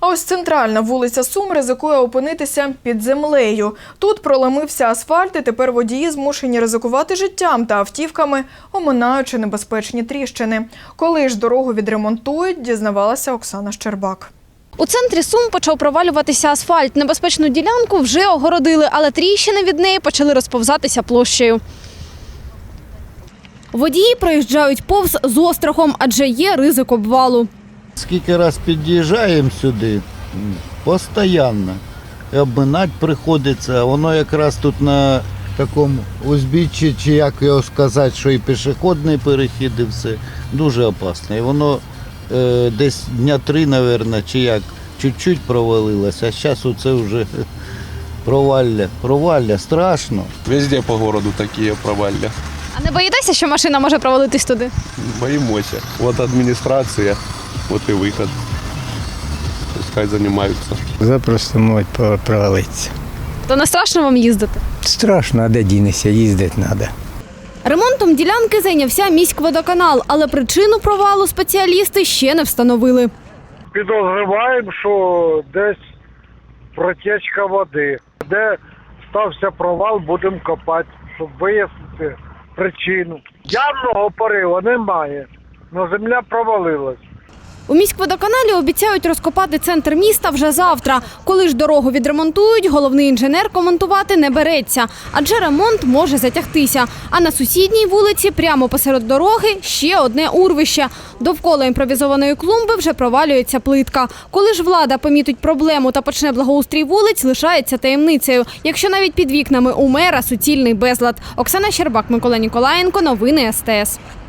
А ось центральна вулиця Сум ризикує опинитися під землею. Тут проламився асфальт, і тепер водії змушені ризикувати життям та автівками, оминаючи небезпечні тріщини. Коли ж дорогу відремонтують, дізнавалася Оксана Щербак. У центрі Сум почав провалюватися асфальт. Небезпечну ділянку вже огородили, але тріщини від неї почали розповзатися площею. Водії проїжджають повз з острахом, адже є ризик обвалу. Скільки раз під'їжджаємо сюди, постійно. І обминати приходиться. Воно якраз тут на такому узбіччі, чи як його сказати, що і пішохідний перехід, і все, дуже опасно. І воно десь дня 3, мабуть, чи як, чуть-чуть провалилося, а зараз оце вже провалля, страшно. Везде по городу такі провалля. А не боїтеся, що машина може провалитись туди? Боїмося. От адміністрація, от і вихід. Пускай займаються. Запросто можуть провалитися. То не страшно вам їздити? Страшно, а де дінешся, їздити треба. Ремонтом ділянки зайнявся міськводоканал, але причину провалу спеціалісти ще не встановили. Підозріваємо, що десь протічка води. Де стався провал, будемо копати, щоб вияснити причину. Явного пориву немає, але земля провалилась. У міськводоканалі обіцяють розкопати центр міста вже завтра. Коли ж дорогу відремонтують, головний інженер коментувати не береться, адже ремонт може затягтися. А на сусідній вулиці, прямо посеред дороги, ще одне урвище. Довкола імпровізованої клумби вже провалюється плитка. Коли ж влада помітить проблему та почне благоустрій вулиць, лишається таємницею. Якщо навіть під вікнами у мера суцільний безлад. Оксана Щербак, Микола Ніколаєнко, новини СТС.